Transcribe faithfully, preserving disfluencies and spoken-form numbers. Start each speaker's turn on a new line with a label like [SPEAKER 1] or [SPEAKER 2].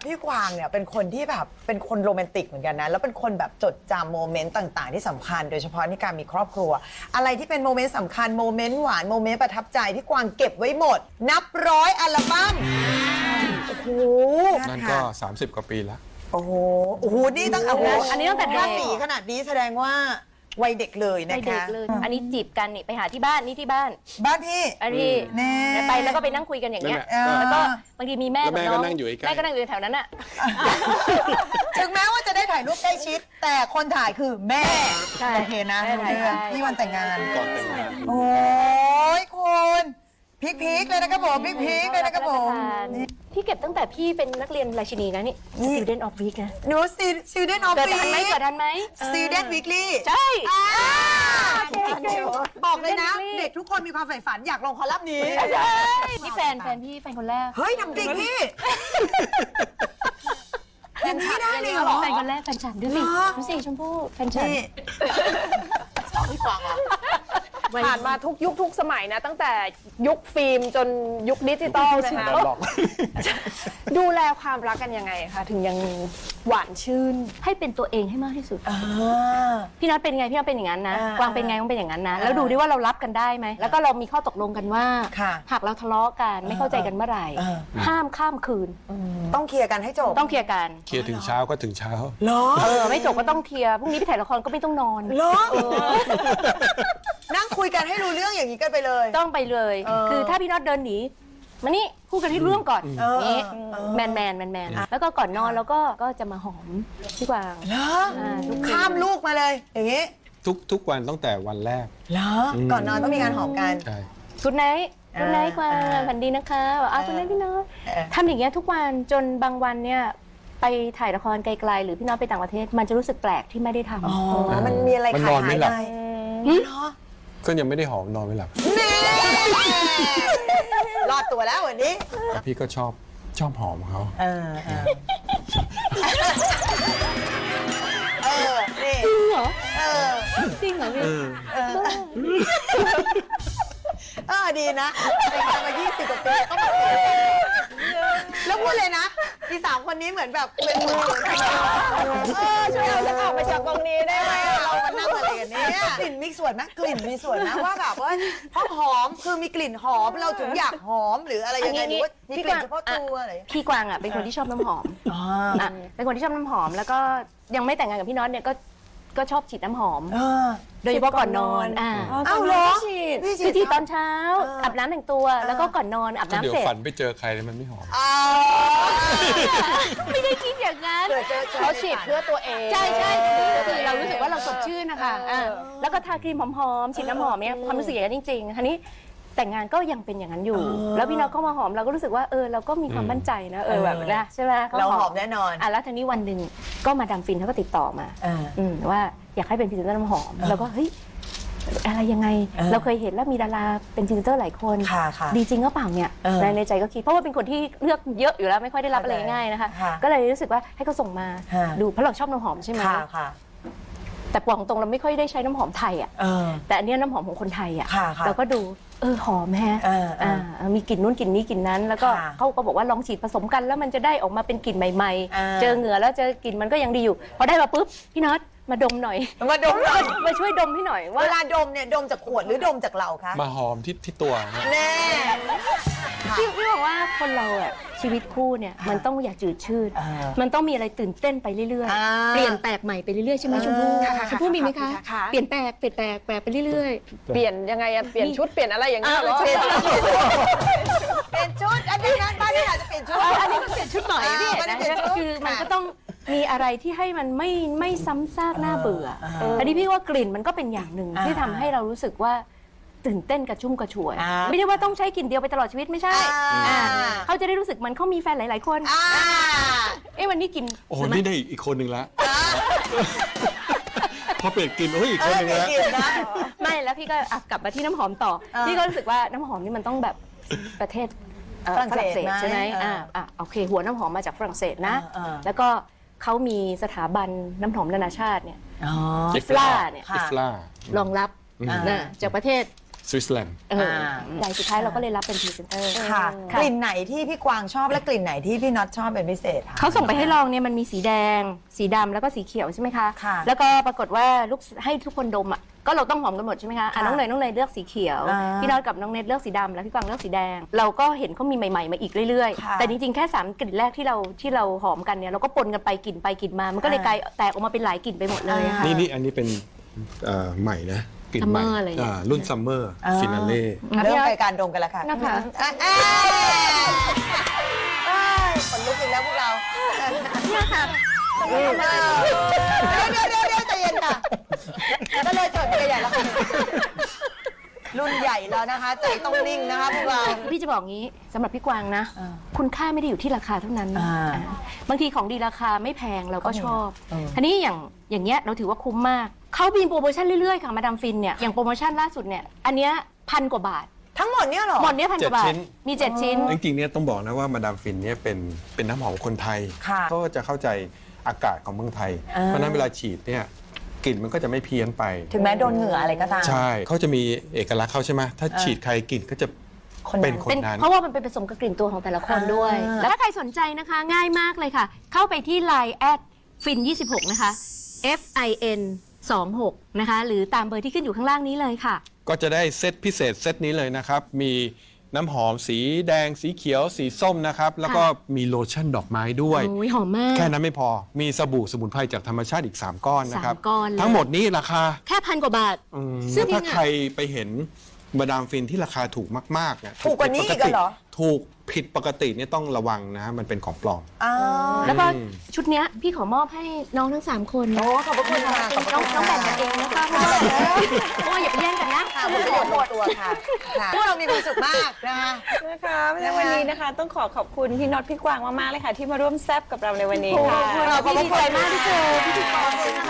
[SPEAKER 1] พี่กวางเนี่ยเป็นคนที่แบบเป็นคนโรแมนติกเหมือนกันนะแล้วเป็นคนแบบจดจำโมเมนต์ต่างๆที่สำคัญโดยเฉพาะในการมีครอบครัวอะไรที่เป็นโมเมนต์สำคัญโมเมนต์หวานโมเมนต์ประทับใจพี่กวางเก็บไว้หมดนับร้อยอัลบั้มโอ้โห
[SPEAKER 2] นั่นก็สามสิบกว่าปีแล้ว
[SPEAKER 1] โอ้โหโอ้โหนี่ตั้งโอ้โห
[SPEAKER 3] อันนี้ตั้งแต่เด็ก
[SPEAKER 1] ถ้าสีขนาดนี้แสดงว่าวัยเด็กเลย
[SPEAKER 3] ไป
[SPEAKER 1] นะ
[SPEAKER 3] เด็
[SPEAKER 1] คะ
[SPEAKER 3] กเลย อันนี้จีบกันนี่ไปหาที่บ้านนี่ที่บ้าน
[SPEAKER 1] บ้านพี่
[SPEAKER 3] อันนี้
[SPEAKER 1] แน่
[SPEAKER 3] ไปแล้วก็ไปนั่งคุยกันอย่างเงี้ย
[SPEAKER 2] นั่นแหละ
[SPEAKER 3] แล้วก็บางทีมีแม่
[SPEAKER 2] แล้วแม่
[SPEAKER 3] กับน้อง
[SPEAKER 2] ก็นั่งอยู่ใกล้
[SPEAKER 3] แม่ก็นั่งอยู่แถวนั้นอ่ะ
[SPEAKER 1] ถึงแม้ว่าจะได้ถ่ายรูปใกล้ชิด แต่คนถ่ายคือแม่
[SPEAKER 3] ใช่
[SPEAKER 1] โอเคนะ
[SPEAKER 3] แม่ถ่าย
[SPEAKER 1] เรื่อง
[SPEAKER 3] ใช่
[SPEAKER 1] ที่วันแต่งงาน
[SPEAKER 2] ก่อนแต่งงาน
[SPEAKER 1] โอ้ยคุณพีคพีคเลยนะครับผมพีคพีคเลยนะครับผมนี่
[SPEAKER 3] พี่เก็บตั้งแต่พี่เป็นนักเรียนราชินีนะนี่
[SPEAKER 1] นี่
[SPEAKER 3] Student of Week นะ
[SPEAKER 1] หนูซีซีเดนออฟ
[SPEAKER 3] เกิด
[SPEAKER 1] วี
[SPEAKER 3] ทันไหมเกิดทันไหม
[SPEAKER 1] ซีเดนวีคลี่
[SPEAKER 3] ใช่
[SPEAKER 1] บอกเลยนะ
[SPEAKER 3] Student Weekly
[SPEAKER 1] เด็กทุกคนมีความใฝ่ฝันอยากลงคอลัมน์นี้
[SPEAKER 3] ใช่นี่แฟนแฟนพี่แฟนคนแรก
[SPEAKER 1] เฮ้ยทำจริงพี่อย่างนี้ได้เลยเหรอ
[SPEAKER 3] แฟนคนแรกแฟนฉันดูสิ
[SPEAKER 1] เหรอ
[SPEAKER 3] ดูสิชมพู่แฟนฉัน
[SPEAKER 1] นี่
[SPEAKER 4] ผ่านมาทุกยุคทุกสมัยนะ ตั้งแต่ยุคฟิล์มจนยุคดิจิตอลนะคะ ดูแลความรักกันยังไงคะถึงยังหวานชื่น
[SPEAKER 3] ให้เป็นตัวเองให้มากที่สุด
[SPEAKER 1] อ่า
[SPEAKER 3] พี่น็อตเป็นไงพี่น็อตเป็นอย่างนั้นนะ
[SPEAKER 1] อ่าก
[SPEAKER 3] วางเป็นไงกวางเป็นอย่างนั้นนะ
[SPEAKER 1] อ่า
[SPEAKER 3] แล้วดูดิว่าเรารับกันได้ไหมแล้วก็เรามีข้อตกลงกันว่า
[SPEAKER 1] ค่ะ
[SPEAKER 3] หากเราทะเลาะกันไม่เข้าใจกันเมื่อไหร่
[SPEAKER 1] อ่า
[SPEAKER 3] ห้ามข้ามคืน
[SPEAKER 1] ต้องเคลียร์กันให้จบ
[SPEAKER 3] ต้องเคลียร์กัน
[SPEAKER 2] เคลียร์ถึงเช้าก็ถึงเช้า
[SPEAKER 1] เหรอ
[SPEAKER 3] เออไม่จบก็ต้องเคลียร์พรุ่งนี้ไปถ่ายละครก็ไม่ต้องนอน
[SPEAKER 1] เหรอนั่งคุยกันให้รู้เรื่องอย่างนี้กันไปเลย
[SPEAKER 3] ต้องไปเลย
[SPEAKER 1] เออ
[SPEAKER 3] คือถ้าพี่น็อตเดินหนีมานี่พูดกันให้รู้เรื่องก่อน
[SPEAKER 1] เออ
[SPEAKER 3] นี่
[SPEAKER 1] เออ
[SPEAKER 3] แมนแมนแมนแมนแล้วก็ก่อนนอนเราก็ก็จะมาหอมพี่กวาง
[SPEAKER 1] เหรอ
[SPEAKER 3] อ่าทุกคืน
[SPEAKER 1] ข้ามลูกมาเลย อย่างนี้
[SPEAKER 2] ทุกทุกวันตั้งแต่วันแรก
[SPEAKER 1] เหรอ
[SPEAKER 2] อืม
[SPEAKER 1] ก่อนนอนต้องมีการหอมกัน
[SPEAKER 2] ใช่
[SPEAKER 3] กุดไนท์กุดไนท์กวาง
[SPEAKER 1] อ่า
[SPEAKER 3] ฝันดีนะคะบอกอ้าว
[SPEAKER 1] เออ
[SPEAKER 3] กุดไนท์พี่น็อต
[SPEAKER 1] เออ
[SPEAKER 3] ทำอย่างเงี้ยทุกวันจนบางวันเนี่ยไปถ่ายละครไกลๆหรือพี่น็อตไปต่างประเทศ มันจะรู้สึกแปลกที่ไม่ได้ทำ
[SPEAKER 1] อ๋อ มันมีอะไร
[SPEAKER 2] มัน
[SPEAKER 1] ขาน
[SPEAKER 2] อย น
[SPEAKER 1] หา
[SPEAKER 2] ไม่
[SPEAKER 1] ย
[SPEAKER 2] หลับ
[SPEAKER 1] ไป
[SPEAKER 3] อืม
[SPEAKER 1] เหรอ
[SPEAKER 2] ก็ยังไม่ได้หอมนอนไม่หลับ
[SPEAKER 1] นี่รอดตัวแล้ววันนี้
[SPEAKER 2] พี่ก็ชอบชอบหอมเขา
[SPEAKER 1] เออเออเออนี่
[SPEAKER 3] จริงเหรอ
[SPEAKER 1] เออ
[SPEAKER 3] จริงเหรอพี่
[SPEAKER 1] เออเออดีนะเป็นกันมายี่สิบกว่าปีก็มาแล้วพูดเลยนะที่สามคนนี้เหมือนแบบเป็นมือเหมือนกันเออช่วยเอาฉันออกไปจากตรงนี้ได้ไหมเรามานั่งอะไรกันเนี่ยกลิ่นมีส่วนไหมกลิ่นมีส่วนนะว่าแบบว่าเพราะหอมคือมีกลิ่นหอมเราถึงอยากหอมหรืออะไรยังไงหรือว่ามีกลิ่นเฉพาะตัวอะไร
[SPEAKER 3] พี่กวางอ่ะเป็นคนที่ชอบน้ำหอม
[SPEAKER 1] อ๋อ
[SPEAKER 3] อ่ะเป็นคนที่ชอบน้ำหอม แล้วก็ยังไม่แต่งงานกับพี่น็อตเนี่ยก็ก็ชอบฉีดน้ำหอม
[SPEAKER 1] เออ
[SPEAKER 3] โดยเฉพาะก่อนนอนอ่า
[SPEAKER 1] อ้าวเหรอ
[SPEAKER 3] คือ
[SPEAKER 1] ฉีด
[SPEAKER 3] ฉีดตอนเช้า
[SPEAKER 1] เออ
[SPEAKER 3] อาบน้ำแต่งตัว แล้วก็ก่อนนอนอาบ
[SPEAKER 2] ก็
[SPEAKER 3] น้ำ
[SPEAKER 2] เดี๋ยว
[SPEAKER 3] เสร็จ
[SPEAKER 2] ฝันไปเจอใครแล้วมันไม่หอม
[SPEAKER 1] อ้าว
[SPEAKER 3] ไม่ได้คิดอย่างนั้น
[SPEAKER 1] เกิดเจอเจอ
[SPEAKER 4] เขาฉีดเพื่อตัวเอง
[SPEAKER 3] ใช่ใช่คือเรารู้สึกว่าเราสดชื่นนะคะอ่าแล้วก็ทาครีมหอมๆฉีดน้ำหอมเนี่ยความรู้สึกอย่างนั้นจริงๆทีนี้แต่งงานก็ยังเป็นอย่างนั้นอยู่ แล้วพี่น็อตก็มาหอมเราก็รู้สึกว่าเออเราก็มีความมั่นใจนะเออแบบนะใช่ไหมข
[SPEAKER 1] เราหอมแน่นอน
[SPEAKER 3] อ่ะแล้วทีนี้วันหนึ่งก็มาดามฟินเขาก็ติดต่อมา
[SPEAKER 1] อ่า
[SPEAKER 3] อืมว่าอยากให้เป็นพรีเซนเตอร์น้ำหอมแล้วก็เฮ้ยอะไรยังไง
[SPEAKER 1] เออ
[SPEAKER 3] เราเคยเห็นแล้วมีดาราเป็นพรีเซนเตอร์หลายคน
[SPEAKER 1] ค่ะค่ะ
[SPEAKER 3] ดีจริงก็เปล่าเนี่ย
[SPEAKER 1] เออ
[SPEAKER 3] ในในใจก็คิดเพราะว่าเป็นคนที่เลือกเยอะอยู่แล้วไม่ค่อยได้รับอะไรง่ายๆนะคะ
[SPEAKER 1] ค่ะ
[SPEAKER 3] ก็เลยรู้สึกว่าให้เขาส่งมา
[SPEAKER 1] ฮะ
[SPEAKER 3] ดูเพราะเราชอบน้ำหอมใช่ไหม
[SPEAKER 1] ค่ะค่ะ
[SPEAKER 3] แต่ปองตรงเราไม่ค่อยได้ใช้น้ำหอมไทยอ่ะ
[SPEAKER 1] เออ
[SPEAKER 3] แต่อันเนี้ยน้ำหอมของคนไทยอ่ะ
[SPEAKER 1] ค่ะค่ะ
[SPEAKER 3] เราก็ดูเออหอมแฮะ
[SPEAKER 1] เออเอออ่
[SPEAKER 3] ามีกลิ่นนู้นกลิ่นนี้กลิ่นนั้น แล้วก็
[SPEAKER 1] ค่ะ
[SPEAKER 3] เขาก็บอกว่าลองฉีดผสมกันแล้วมันจะได้ออกมาเป็นกลิ่นใหม่
[SPEAKER 1] อ่า
[SPEAKER 3] ๆ เจอเหงื่อแล้วเจอกลิ่นมันก็ยังดีอยู่พอได้มาปุ๊บพี่น็อตมาดมหน่อย
[SPEAKER 1] มาดมหน่อย
[SPEAKER 3] มาช่วยดมให้หน่อยว่า
[SPEAKER 1] เวลาดมเนี่ยดมจากขวดหรือดมจากเราคะ
[SPEAKER 2] มาหอมที่ที่ตัวนะ
[SPEAKER 1] แน่
[SPEAKER 3] พี่พี่บอกว่าคนเราอ่ะชีวิตคู่เนี่ยมันต้องอย่าจืดชืด
[SPEAKER 1] เออ
[SPEAKER 3] มันต้องมีอะไรตื่นเต้นไปเรื่อย
[SPEAKER 1] อ่า
[SPEAKER 3] ๆ เปลี่ยนแปลกใหม่ไปเรื่อยๆใช่ไหมชมพู่
[SPEAKER 1] ค่ะค่ะ
[SPEAKER 3] ชมพู่มีไหมคะ
[SPEAKER 4] ค่ะค่ะ
[SPEAKER 3] เปลี่ยนแปลกเปลี่ยนแปลกแปลกไปเรื่อย
[SPEAKER 4] เปลี่ยนยังไงอะเปลี่ยนชุดเปลี่ยนอะไรอย่างเงี้ยเหรอ
[SPEAKER 3] เปลี่ยน
[SPEAKER 1] เปลี่ยนชุดอันนี้นั้นบ้านนี้อาจจะเปลี่ยนชุด
[SPEAKER 3] ๆอันนี้ก็เปลี่ยนชุดหน่อย
[SPEAKER 1] อ่า
[SPEAKER 3] พี่
[SPEAKER 1] มัน
[SPEAKER 3] นะ
[SPEAKER 1] เปลี่ยนชุด
[SPEAKER 3] คือมัน
[SPEAKER 1] ค่ะ
[SPEAKER 3] ก็ต้องมีอะไรที่ให้มันไม่ไม่ซ้ำซากน่าเบื่อ
[SPEAKER 1] อ่า
[SPEAKER 3] เอออันนี้พี่ว่ากลิ่นมันก็เป็นอย่างหนึ่ง
[SPEAKER 1] อ่า
[SPEAKER 3] ที่ทำให้เรารู้สึกว่าตื่นเต้นกระชุ่มกระชวย
[SPEAKER 1] อ่า
[SPEAKER 3] ไม่ได้ว่าต้องใช้กลิ่นเดียวไปตลอดชีวิตไม่ใช่
[SPEAKER 1] อ่า
[SPEAKER 3] อ่าเขาจะได้รู้สึกมันเขามีแฟนหลาย ๆ คน
[SPEAKER 1] อ่า
[SPEAKER 3] เอ้วันนี้กลิ่น
[SPEAKER 2] โอ้โหนี่ได้อีกคนหนึ่งละพอเปลี่ยนกลิ่นโอ้ยอีกคนหนึ่ง
[SPEAKER 1] เออ
[SPEAKER 2] แล้ว
[SPEAKER 1] เปลี่ยนนะ
[SPEAKER 3] ไม่แล้วพี่ก็อ่ะกลับมาที่น้ำหอมต่อ
[SPEAKER 1] อ่า
[SPEAKER 3] พี่ก็รู้สึกว่าน้ำหอมนี่มันต้องแบบประเทศเอ่อ
[SPEAKER 1] ฝรั่งเศส
[SPEAKER 3] ใช่ไหม
[SPEAKER 1] ไหม
[SPEAKER 3] อ่าอ่ะโอเค หัวน้ำหอมมาจากฝรั่งเศสนะ
[SPEAKER 1] อ่าอ่า
[SPEAKER 3] แล้วก็เขามีสถาบันน้ำหอมนานาชาติเนี่ย
[SPEAKER 1] อ๋อ
[SPEAKER 3] อิฟลาเนี่ย
[SPEAKER 2] อิฟลาร
[SPEAKER 3] องรับ
[SPEAKER 2] อืม
[SPEAKER 3] นะจากประเทศ
[SPEAKER 2] สวิตเซอร์แลนด์
[SPEAKER 3] เออใหญ่สุดท้ายเราก็เลยรับเป็นพรีเซนเตอร์
[SPEAKER 1] ค่ะ
[SPEAKER 3] ค่ะ
[SPEAKER 1] กลิ่นไหนที่พี่กวางชอบและกลิ่นไหนที่พี่น็อตชอบเป็นพิเศษคะ
[SPEAKER 3] เขาส่งไปให้ลองเนี่ยมันมีสีแดง สีดำแล้วก็สีเขียวใช่ไหมคะ
[SPEAKER 1] ค่ะ
[SPEAKER 3] แล้วก็ปรากฏว่าลูกให้ทุกคนดมอ่ะก็เราต้องหอมกันหมดใช่ไหมคะอ่ะ
[SPEAKER 1] ค่ะ
[SPEAKER 3] น้องเนยน้องเนยเลือกสีเขียว
[SPEAKER 1] อ่า
[SPEAKER 3] พี่น็อตกับน้องเนยเลือกสีดำแล้วพี่กวางเลือกสีแดง เราก็เห็นเขามีใหม่ๆมาอีกเรื่อย
[SPEAKER 1] ค่ะ
[SPEAKER 3] ๆแต่จริงๆแค่สามกลิ่นแรกที่เราที่เราหอมกันเนี่ยเราก็ปนกันไปกลิ่นไปกลิ่นมามันก็เลยกลายแตกออกมาเป็นหลายกลิ่นไปหมดเลยค่ะ
[SPEAKER 2] นี่นี่อันนี้เป็นเอ่อใหม่นะกลิ่นใหม่
[SPEAKER 3] Summer เลย
[SPEAKER 2] อ่ารุ่นซัมเมอร์ฟินาเล่
[SPEAKER 1] เริ่มรายการดมกันแล้วค่ะ
[SPEAKER 3] นะคะ
[SPEAKER 1] อ่ะเอ้ยเอ้ยขนลุกอีกแล้วพวกเรา
[SPEAKER 3] เนี่ยค่ะ
[SPEAKER 1] เดี๋ยวเดี๋ยวเดี๋ยวเดี๋ยวใจเย็นค่ะก็เลยจดไปใหญ่แล้วค่ะรุ่นใหญ่แล้วนะคะ ใจต้องนิ่งนะคะพวกเรา
[SPEAKER 3] พี่จะบอกงี้สำหรับพี่กวางนะ
[SPEAKER 1] อ่า
[SPEAKER 3] คุณค่าไม่ได้อยู่ที่ราคาเท่านั้น
[SPEAKER 1] อ่า
[SPEAKER 3] อ่าบางทีของดีราคาไม่แพงเราก็ชอบ
[SPEAKER 1] เออ
[SPEAKER 3] ทีนี้อย่างอย่างเงี้ยเราถือว่าคุ้มมากเขามีโปรโมชั่นเรื่อยๆค่ะมาดามฟินเนี่ยอย่างโปรโมชั่นล่าสุดเนี่ยอันเนี้ยพันกว่าบาท
[SPEAKER 1] ทั้งหมดเนี่ยเหรอ
[SPEAKER 3] หมดเนี้ยพันกว่าบาทมีเจ็ดชิ้น
[SPEAKER 2] จริงๆเนี่ยต้องบอกนะว่ามาดามฟินเนี่ยเป็นเป็นน้ำหอมคนไทย
[SPEAKER 1] ค่ะ
[SPEAKER 2] เขาก็จะเข้าใจอากาศของเมืองไทย
[SPEAKER 1] อ่า
[SPEAKER 2] เพราะฉะนั้นเวลาฉีดเนี่ยกลิ่นมันก็จะไม่เพี้ยนไป
[SPEAKER 1] ถึงแม้โดนเหงื่ออะไรก็ตาม
[SPEAKER 2] ใช่เขาจะมีเอกลักษณ์เขาใช่ไหมถ้าฉีดใครกลิ่นก็จะ
[SPEAKER 1] คนนั้น
[SPEAKER 2] เป็นคน
[SPEAKER 3] เป็น
[SPEAKER 2] นั้น
[SPEAKER 3] เพราะว่ามันเป็นผสมกับกลิ่นตัวของแต่ละคนด้วย
[SPEAKER 1] อ่า
[SPEAKER 3] แล้วถ้าใครสนใจนะคะง่ายมากเลยค่ะ เข้าไปที่ ไลน์ แอดฟินยี่สิบหกนะคะ F I N สองหกนะคะหรือตามเบอร์ที่ขึ้นอยู่ข้างล่างนี้เลยค่ะ
[SPEAKER 2] ก็จะได้เซตพิเศษเซตนี้เลยนะครับ มีน้ำหอมสีแดงสีเขียวสีส้มนะครับ แล้วก็มีโลชั่นดอกไม้ด้วย
[SPEAKER 3] โอ้ยหอมมาก
[SPEAKER 2] แค่นั้นไม่พอมีสบู่สมุนไพรจากธรรมชาติอีก สาม ก้อนนะครับ
[SPEAKER 3] สามก้อนเลย
[SPEAKER 2] ทั้งหมดนี้ราคา
[SPEAKER 3] แค่พันกว่าบาท
[SPEAKER 2] อืม
[SPEAKER 3] ซึ่ง
[SPEAKER 2] ถ้า
[SPEAKER 3] จริงๆอะ
[SPEAKER 2] ใครไปเห็นมาดามฟินที่ราคาถูกมากๆเนี่ย
[SPEAKER 1] ถูกกว่านี้อีกเหรอ
[SPEAKER 2] ถูกผิดปกติเนี่ยต้องระวังนะฮะมันเป็นของปลอม
[SPEAKER 1] อ้าว
[SPEAKER 3] แล้วก็ชุดเนี้ยพี่ขอมอบให้น้องทั้งสามคน
[SPEAKER 1] โอ้ขอบพระคุณค่ะขอบพระ
[SPEAKER 3] น้อง
[SPEAKER 1] คุณ
[SPEAKER 3] น้องแบ่งกันเองนะคะเพราะว่าเพราะว่าอย่าไปแย่งกันนะ
[SPEAKER 1] ค่ะผลประโยชน์หมดตัวค่ะค่ะพวกเรามีความสุขมากนะคะ
[SPEAKER 5] นะคะในวันนี้นะคะต้องขอขอบคุณพี่น็อตพี่กวางมากๆเลยค่ะ ที่มาร่วมแซบกับเราในวันนี้ค่ะ
[SPEAKER 3] ขอบคุณพี่ดีใจมากที่เจอพี่ดีกร